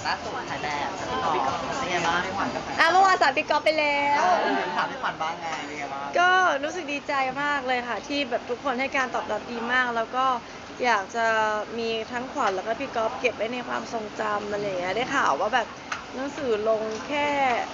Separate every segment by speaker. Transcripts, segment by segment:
Speaker 1: ล่าสุดถ่ายแบบพี่ก๊อฟเป็นไงบ้างพี่ขวัญกับ
Speaker 2: เมื่อวานสารพี่ก๊อฟไปแล้ว
Speaker 1: ถามพี่ขวัญบ้างไงเป็นไงบ้าง
Speaker 2: ก็รู้สึกดีใจมากเลยค่ะที่แบบทุกคนให้การตอบรับดีมาก แล้วก็อยากจะมีทั้งขวัญแล้วก็พี่ก๊อฟเก็บไว้ในความทรงจำอะไรอย่างเงี้ยได้ข่าวว่าแบบหนังสือลงแค่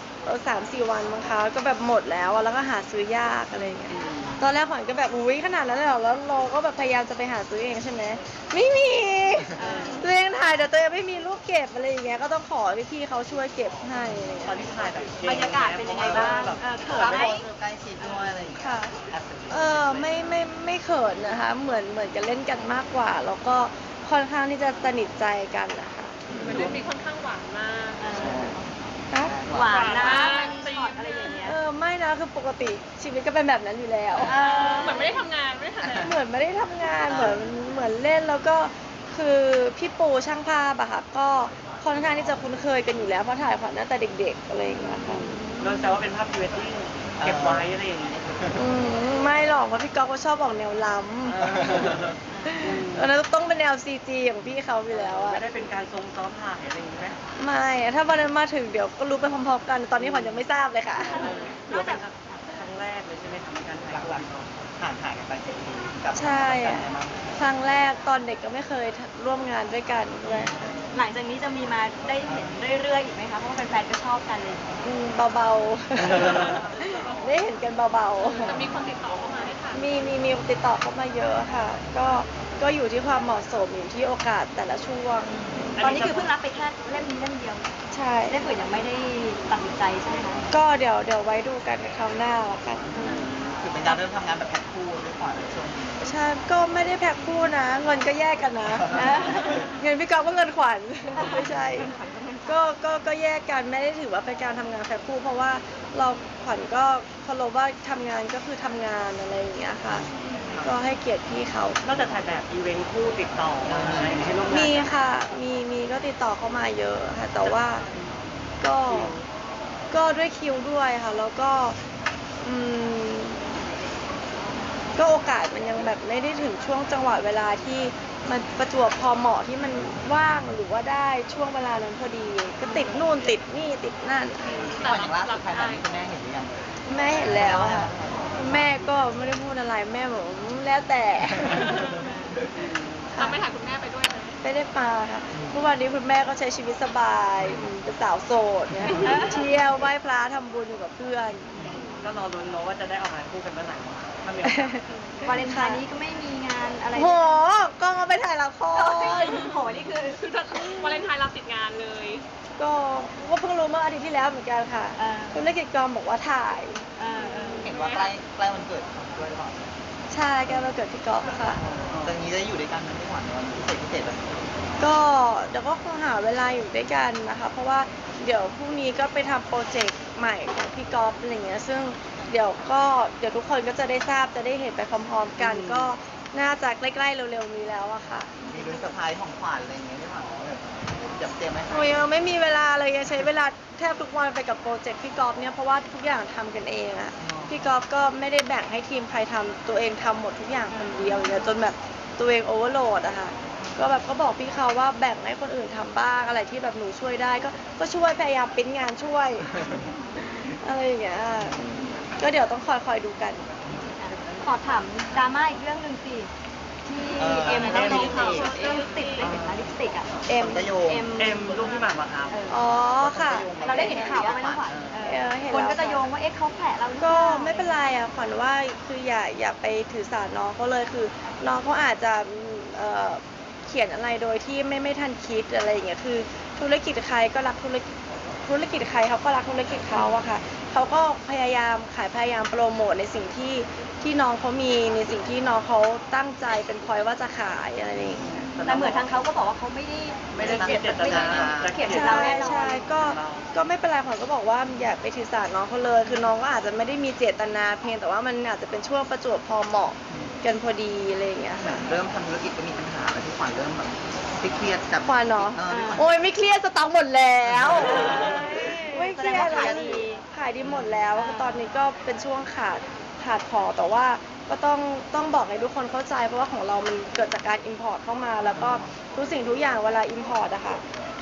Speaker 2: 3-4 วันมั้งคะก็แบบหมดแล้วแล้วก็หาซื้อยากอะไรอย่างเงี้ยตอนแรกขวัญก็แบบอุ้ยขนาดนั้นเลยเหรอแล้วเราก็แบบพยายามจะไปหาซื้อเองใช่ไหมไม่มีตัวเองถ่ายแต่ตัวเองไม่มีรูปเก็บอะไรอย่างเงี้ยก็ต้องขอพี่ๆเขาช่วยเก็บให้อะไรอย่าง
Speaker 1: ตอ
Speaker 2: เงี้
Speaker 1: น
Speaker 2: ย
Speaker 1: ที่ถ่ายแบบ
Speaker 3: บรรยากาศเป็นยังไงบ้างเขินไหม
Speaker 1: ใกล้ชิดด้วยอะไรอย่างเงี้ย
Speaker 2: ค่ะไม่เขินนะคะเหมือนกันเล่นกันมากกว่า แล้วก็ค่อนข้างที่จะสนิทใจกันนะคะ
Speaker 4: เหมือนเรื่องนี้ค่อนข้างหวานมาก
Speaker 2: เอ้า
Speaker 3: หวานนะ
Speaker 4: หวาน
Speaker 3: มันช็อตอะไรอย่างเงี้ย
Speaker 2: ไม่นะคือปกติชีวิตก็เป็นแบบนั้นอยู่แล้ว
Speaker 4: เหมือนไม่ได้ทำงานไม่ได้ทำอะไร
Speaker 2: เหมือนไม่ได้ทำงานเหมือนเล่นแล้วก็คือพี่ปูช่างภาพอะค่ะก็ค่อนข้างที่จะคุ้นเคยกันอยู่แล้วเพราะถ่ายขวัญตั้งแต่เด็กๆอะไรอย่างเงี้ยค่ะ
Speaker 1: โดนแซวว่าเป็นภาพพรีเวดดิ้งเก็บไว้อะไรอย่างเงี้ย
Speaker 2: ไม่หรอกเพราะพี่ก๊อฟเขาชอบออกแนวล้ำแล้วต้องเป็นแนว CG ของพี่เขาอยู่แล้วอะ
Speaker 1: ไม่ได้เป็นการทรงซ้อมถ่ายอะไรอย่างเงี้ย
Speaker 2: ไม่อะถ้าวันนั้นมาถึงเดี๋ยวก็รู้ไปพร้อมๆกัน ตอนนี้ขวัญยังไม่ทราบเลยค่ะ
Speaker 1: หรือว่าเป็นครั้งแรกเลยใช่ไหมทำในการถ่ายหลักๆห่างกันไป7 ปีกับ
Speaker 2: ใช่อะครั้งแรกตอนเด็กก็ไม่เคยร่วมงานด้วยกันด้วย
Speaker 3: หลังจากนี้จะมีมาได้เห็นเรื่อยๆอีกไหมคะเพราะว่าแฟนๆก็ชอบกันเลย
Speaker 2: เบาๆ ได้เห็นกันเบา
Speaker 4: แต่มีคนติดต่อเข้ามาให้ถ่าย
Speaker 2: ๆ มีติดต่อเข้ามาเยอะค่ะ ก็อยู่ที่ความเหมาะสมอยู่ที่โอกาสแต่ละช่วง
Speaker 3: ตอนนี้คือเพิ่งรับไปแค่เล่มนี้เล่มเดียว
Speaker 2: ใช่
Speaker 3: เล่มอื่นยังไม่ได้ตัดสินใจใช่ไหมคะ
Speaker 2: ก็เดี๋ยวไว้ดูกันคราวหน้าละกัน
Speaker 1: คือเป็นการเริ่มทำงานแบบแพ็คคู่ด้วยก่อนในช่วงนี้
Speaker 2: ใช่ก็ไม่ได้แพ็คคู่นะ เงินก็แยกกันนะ เงินพี่ก๊อฟก็เงินขวัญ ไม่ใช่ ก็แยกกันไม่ได้ถือว่าเป็นการทำงานแพ็คคู่เพราะว่าเราขวัญก็เคารพว่าทำงานก็คือทำงานอะไรอย่างเงี้ยค่ะ ก็ให้เกียรติพี่เขา
Speaker 1: นอกจากถ่ายแบบอีเวนต์คู่ติดต่อให้ร่วมงาน
Speaker 2: มีค่ะมีก็ติดต่อเข้ามาเยอะค่ะแต่ว่าก็ด้วยคิวด้วยค่ะ แล้วก็อืมก็โอกาสมันยังแบบไม่ได้ถึงช่วงจังหวะเวลาที่มันประจวบพอเหมาะที่มันว่างหรือว่าได้ช่วงเวลานั้นพอดี ก็ติดนู่นติดนี่ติดนั่น
Speaker 1: ก่อนอย่างล่าสุดถ่ายแบบคุณแม่เห็นหรือยัง
Speaker 2: แม่เห็นแล้วค่ะแม่ก็ไม่ได้พูดอะไรแม่บอกแล้วแต่
Speaker 4: เราไม่ถ่ายคุณแม่ไปด้วยไหม
Speaker 2: ไม่ได้มาค่ะเมื่อวานนี้คุณแม่ก็ใช้ชีวิตสบายเป็นสาวโสดเนี่ยเที่ยวไหว้พระทำบุญอยู่กับเพื่อน
Speaker 1: ก็รอลุ้นเนาะว่าจะได้ออกงานคู่กันเมื่อไหร่ถ้ามีโอกาส
Speaker 3: วาเลนไทน์นี้ก็ไม่มีงานอะไร
Speaker 2: โหกล้องเอาไปถ่ายละคร
Speaker 3: โหนี่คือ
Speaker 4: คือถ้าวาเลนไทน์เราติดงานเลย
Speaker 2: ก็เพิ่งรู้เมื่ออาทิตย์ที่แล้วเหมือนกันค่ะธุรกิจกองบอกว่าถ่าย
Speaker 1: เห็นว่าใกล้วันเกิดด้วยหรือเปล่า
Speaker 2: ใช่แกมาเกิดที่กอล์ฟค่ะ
Speaker 1: ตอนนี้ได้อยู่ด้วยกันไม่หวานวันพิเศษแบบนี้
Speaker 2: ก็เดี๋ยวก็คงหาเวลาอยู่ด้วยกันนะคะ เพราะว่าเดี๋ยวพรุ่งนี้ก็ไปทำโปรเจกต์ใหม่ของพี่กอล์ฟอะไรเงี้ยซึ่งเดี๋ยวทุกคนก็จะได้ทราบจะได้เห็นไปพร้อมๆกัน ก็น่าจะใกล้ๆเร็วๆนี้แล้วอะค่ะ
Speaker 1: มีลุ้นเซอร์ไพรส์ของขวัญอะไรอย่างเงี้ยไม่หวานจะเตรียมไหม
Speaker 2: โอ้ยยังไม่มีเวลาเลยยังใช้เวลาแทบทุกวันไปกับโปรเจกต์พี่กอล์ฟเนี่ยเพราะว่าทุกอย่างทำกันเองอะพี่กอล์ฟก็ไม่ได้แบ่งให้ทีมใครทำตัวเองทำหมดทุกอย่างคนเดียวเนี่ยจนแบบตัวเองโอเวอร์โหลดอะค่ะก็บอกพี่เขาว่าแบ่งให้คนอื่นทำบ้างอะไรที่แบบหนูช่วยได้ก็ช่วยพยายามปริ้นงานช่วย อะไรอย่างเงี้ยก็เดี๋ยวต้องคอยดูกัน
Speaker 3: ขอถามดราม่าอีกเรื่องหนึ่งสิที่เอ็มเขาลงข่าวลิปสติกได้เห็นไหมลิปสติกอ่ะ
Speaker 2: เอ็ม
Speaker 1: เอ็มลูกพี่หมากมาครับ
Speaker 2: อ๋อค่ะ
Speaker 3: เราได้เห็นข่าวว่าไหมน้องขวัญ
Speaker 2: เห็น
Speaker 3: คน
Speaker 2: แล้ว
Speaker 3: ก็จะโยงว่าเอ๊ะเขาแผลเราหรือเป
Speaker 2: ก็
Speaker 3: ล่า
Speaker 2: ไม่เป็นไรอะขวัญว่าคืออย่าไปถือสาน้องเขาเลยคือน้องเขาอาจจะเขียนอะไรโดยที่ไม่ทันคิดอะไรอย่างเงี้ยคือธุรกิจใครก็รักธุรกิจใครเขาก็รักธุรกิจเขาอะค่ะเขาก็พยายามพยายามโปรโมทในสิ่งที่น้องเขามีในสิ่งที่น้องเขาตั้งใจเป็นพอยว่าจะขายอะไรอย่างเงี้ย
Speaker 3: แต่เหมือนทางเขาก็บอกว่าเขาไม่ได้เขียนเขียนเราแน่นอน
Speaker 2: ใช่ก็ไม่เป็นไรขวัญก็บอกว่าอย่าไปถือสาน้องเขาเลย คือน้องก็อาจจะไม่ได้มีเจตนาเพียงแต่ว่ามันอาจจะเป็นช่วงประจวบพอเหมาะกันพอดีอะไรอย่างเงี้ยค่ะ
Speaker 1: เริ่มทำธุรกิจก็มีปัญหาแล้วที่ขวัญเริ่มแบบเครียดกับ
Speaker 2: ขวัญเนาะโอ้ยไม่เครียดสต็อกหมดแล้วไม่เครียด
Speaker 3: แสดงว่าขายดี
Speaker 2: ขายดีหมดแล้วตอนนี้ก็เป็นช่วงขาดของแต่ว่าก็ต้องบอกให้ทุกคนเข้าใจเพราะว่าของเรามันเกิดจากการ import เข้ามาแล้วก็ทุกสิ่งทุกอย่างเวลา import อะค่ะ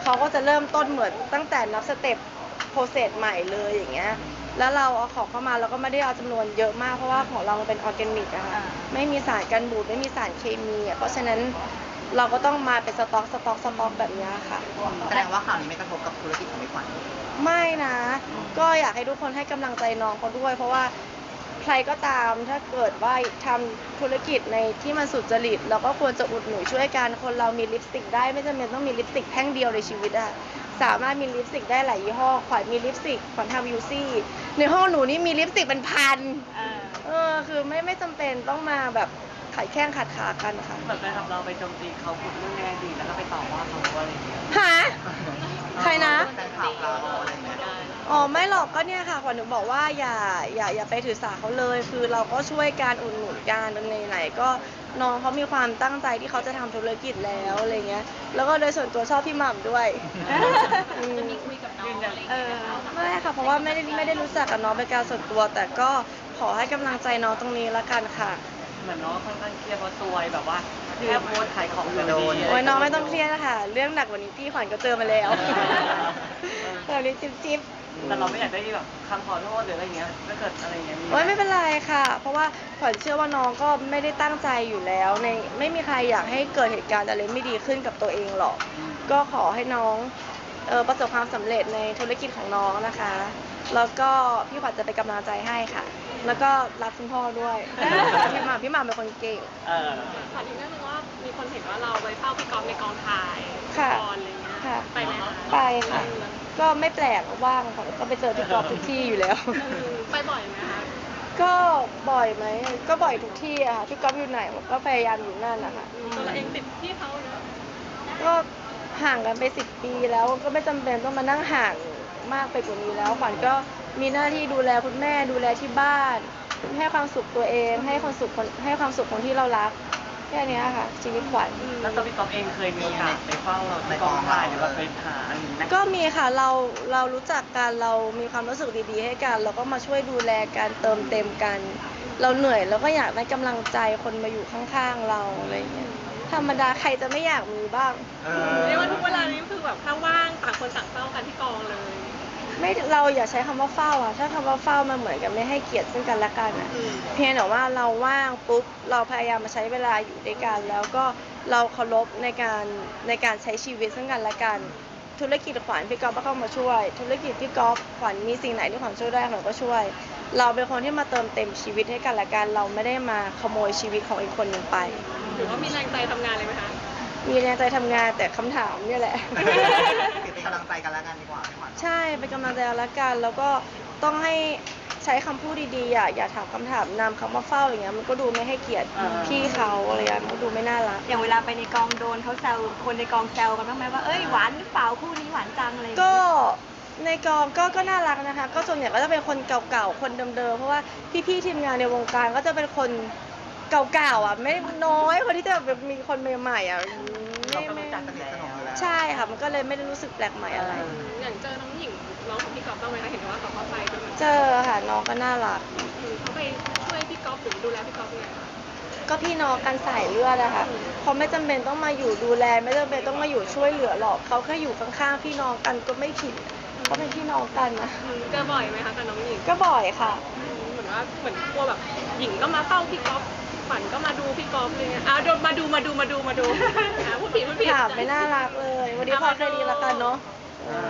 Speaker 2: เขาก็จะเริ่มต้นเหมือนตั้งแต่นับสเต็ปโปรเซสใหม่เลยอย่างเงี้ยแล้วเราเอาของเข้ามาเราก็ไม่ได้เอาจำนวนเยอะมากเพราะว่าของเรามันเป็นออร์แกนิกอะค่ะไม่มีสารกันบูดไม่มีสารเคมีอะเพราะฉะนั้นเราก็ต้องมาเป็นสต็อกแบบเนี้ยค่ะ
Speaker 1: แสดงว่าข่าวนี้ไม่กระทบกับธุรกิจของพี่ขวัญ
Speaker 2: ไม่นะ ก็อยากให้ทุกคนให้กำลังใจน้องเขาด้วย เพราะว่าใครก็ตามถ้าเกิดว่าทำธุรกิจในที่มันสุจริตเราก็ควรจะอุดหนุนช่วยกันคนเรามีลิปสติกได้ไม่จำเป็นต้องมีลิปสติกแท่งเดียวในชีวิตอะสามารถมีลิปสติกได้หลายยี่ห้อขวัญมีลิปสติกขวัญทำยูซี่ในห้องหนูนี่มีลิปสติกเป็นพันคือไม่จำเป็นต้องมาแบบขายแข้งขัดขากันค่ะ
Speaker 1: เหมือนแฟนคลับเราไปโจมตีเขาพูดเรื่องในอดีตแล้วก็ไปต่อว่าเขาอะไรอย่างเงี้ย
Speaker 2: ฮะใครนะ
Speaker 1: แฟนคลับเราอะไรอย่างเงี้ย
Speaker 2: อ๋อไม่หรอกก็เนี่ยค่ะขวัญหนูบอกว่าอย่าไปถือสาเขาเลย คือเราก็ช่วยการอุดหนุนการไหนๆก็น้องเขามีความตั้งใจที่เขาจะทำธุรกิจแล้วอะไรเงี้ยแล้วก็โดยส่วนตัวชอบพี่หม่ำด้วย
Speaker 4: จะมีคุยกับน้องอะไรอย่างเงี้ยไหมคะ
Speaker 2: ไม่ค่ะเพราะว่าไม่ได้รู้จักกับน้องเป็นการส่วนตัว แต่ก็ขอให้กำลังใจน้องตรงนี้ละกันค่ะ
Speaker 1: เหมือนน้องค่อนข้างเครียดเพราะซวยแบบว่าแค่โพสต์ขายของโดน
Speaker 2: โอ้ยน้องไม่ต้องเครียดนะคะเรื่องหนักกว่านี้พี่ขวัญก็เจอมาแล้วตอนนี้จิ๊บ
Speaker 1: แต่เราไม่อยากได้แบบคำขอโทษหรืออะไรเงี้ยถ้าเกิดอะไรเงี้ย
Speaker 2: โอ้ยไม่เป็นไรค่ะ เพราะว่าขวัญเชื่อว่าน้องก็ไม่ได้ตั้งใจอยู่แล้วไม่มีใครอยากให้เกิดเหตุการณ์อะไรไม่ดีขึ้นกับตัวเองหรอก ก็ขอให้น้องประสบความสำเร็จในธุรกิจของน้องนะคะ แล้วก็พี่ขวัญจะเป็นกำลังใจให้ค่ะ แล้วก็รักคุณพ่อด้วย พี่หม่ำเป็นคนเก่ง
Speaker 4: ขออีกเรื่องนึงว่ามีคนเห็นว่าเราไปเฝ้าพี่ก๊อฟในกองถ่าย
Speaker 2: ค่ะ
Speaker 4: ละครอะไรเงี้ย
Speaker 2: ค่ะ
Speaker 4: ไปไหมคะ
Speaker 2: ไปค่ะ ก็ไม่แปลกว่างค่ะก็ไปเจอพี่กอฟทุกที่อยู่แล้ว
Speaker 4: ไปบ่อยไหมคะ
Speaker 2: ก็บ่อยไหมก็บ่อยทุกที่อะค่ะพี่ก๊อฟอยู่ไหนผมก็พยายามอยู่นั่นนะคะ
Speaker 4: ตัวเราเองติดพี่เขาเนอะ
Speaker 2: ก็ห่างกันไป10 ปีแล้วก็ไม่จำเป็นต้องมานั่งห่างมากไปกว่านี้แล้วขวัญก็มีหน้าที่ดูแลคุณแม่ดูแลที่บ้าน ให้ความสุขตัวเองให้ความสุขคนที่เรารักแค่เนี้ยค่ะ ชีวิตขวัญ
Speaker 1: แล้วตัวพี่ก๊อฟเองเคยมีโอกาสไปเฝ้าเราในกองถ่ายหรือว่าไปหาอะไรอย่างเงี้ย
Speaker 2: ก็มีค่ะเรารู้จักกันเรามีความรู้สึกดีๆให้กันเราก็มาช่วยดูแลกันเติมเต็มกัน เราเหนื่อยเราก็อยากได้กำลังใจคนมาอยู่ข้างๆเราอะไรอย่างเงี้ยธรรมดาใครจะไม่อยากมีบ้าง
Speaker 4: เรียกว่าทุกเวลานี้คือแบบถ้าว่างต่างคนต่างเฝ้ากันที่กองเลย
Speaker 2: ไม่เราอย่าใช้คำว่าเฝ้าอะถ้าคำว่าเฝ้ามันเหมือนกับไม่ให้เกียรติซึ่งกันและกันอะเพียงแต่ว่าเราว่างปุ๊บเราพยายามมาใช้เวลาอยู่ด้วยกัน แล้วก็เราเคารพในการใช้ชีวิตซึ่งกันและกันธุรกิจขวัญพี่ก๊อฟก็เข้ามาช่วย ธุรกิจพี่ก๊อฟขวัญมีสิ่งไหนที่ขวัญช่วยได้ขวัญก็ช่วย เราเป็นคนที่มาเติมเต็มชีวิตให้กันและกันเราไม่ได้มาขโมยชีวิตของอีกคนหนึ่งไป
Speaker 4: หรือว่ามีแรงใจทำงานเลยไหมคะ
Speaker 2: มีแรงใจทำงานแต่คำถามเนี่ยแหละ
Speaker 1: เป็นกำลังใจกันแล้วกันดีกว่าพี่ขวัญ
Speaker 2: ใช่เป็นกำลังใจกันละกันแล้วก็ต้องให้ใช้คำพูดดีๆอย่าถามคำถามนำคำว่าเฝ้าอย่างเงี้ยมันก็ดูไม่ให้เกียรติพี่เขาอะไรอย่างเงี้ยมันก็ดูไม่น่ารัก
Speaker 3: อย่างเวลาไปในกองโดนเขาแซวคนในกองแซวกันบ้างไหมว่าเอ้ยหวานหรือเปล่าคู่นี้หวานจังอะไรอย่าง
Speaker 2: ก็
Speaker 3: เงี้ย
Speaker 2: ในกองก็น่ารักนะคะ ก็ส่วนใหญ่ก็จะเป็นคนเก่าๆคนเดิมๆเพราะว่าพี่ๆทีมงานในวงการก็จะเป็นคนเก่าๆอ่ะไม่น้อยคนที่จะแบบมีคนใหม่ๆอ่ะ
Speaker 1: เราก็รู้จักสนิทสนมอยู่แล้ว
Speaker 2: ใช่ค่ะมันก็เลยไม่ได้รู้สึกแปลกใหม่อะไร
Speaker 4: อย่างเจอน้องหญิงน้องของพี่ก๊อฟบ้างไหมคะเห็นว่าเขาไปด้วยเหมือน
Speaker 2: เจอค่ะน้องก็น่ารัก
Speaker 4: เขาไปช่วยพี่ก๊อฟหรือดูแลพี่ก๊อฟยังไงคะ
Speaker 2: ก็พี่น้องกันสายเลือดอะค่ะเขาไม่จำเป็นต้องมาอยู่ดูแลไม่จำเป็นต้องมาอยู่ช่วยเหลือหรอกเขาแค่อยู่ข้างๆพี่น้องกันก็ไม่ผิดเขาเป็นพี่น้องกันนะ
Speaker 4: เจอบ่อยไหมคะกับน้องหญิง
Speaker 2: ก็บ่อยค่ะ
Speaker 4: เหมือนกลัวแบบหญิงก็มาเฝ้าพี่ก๊อฟฝันก็มาดูพี่ก๊อฟอะไรเงี้ยโดนมาดูพูดผิด
Speaker 2: ถามไม่น่ารักเลย วันนี้พอแค่นี้ละกันเนาะ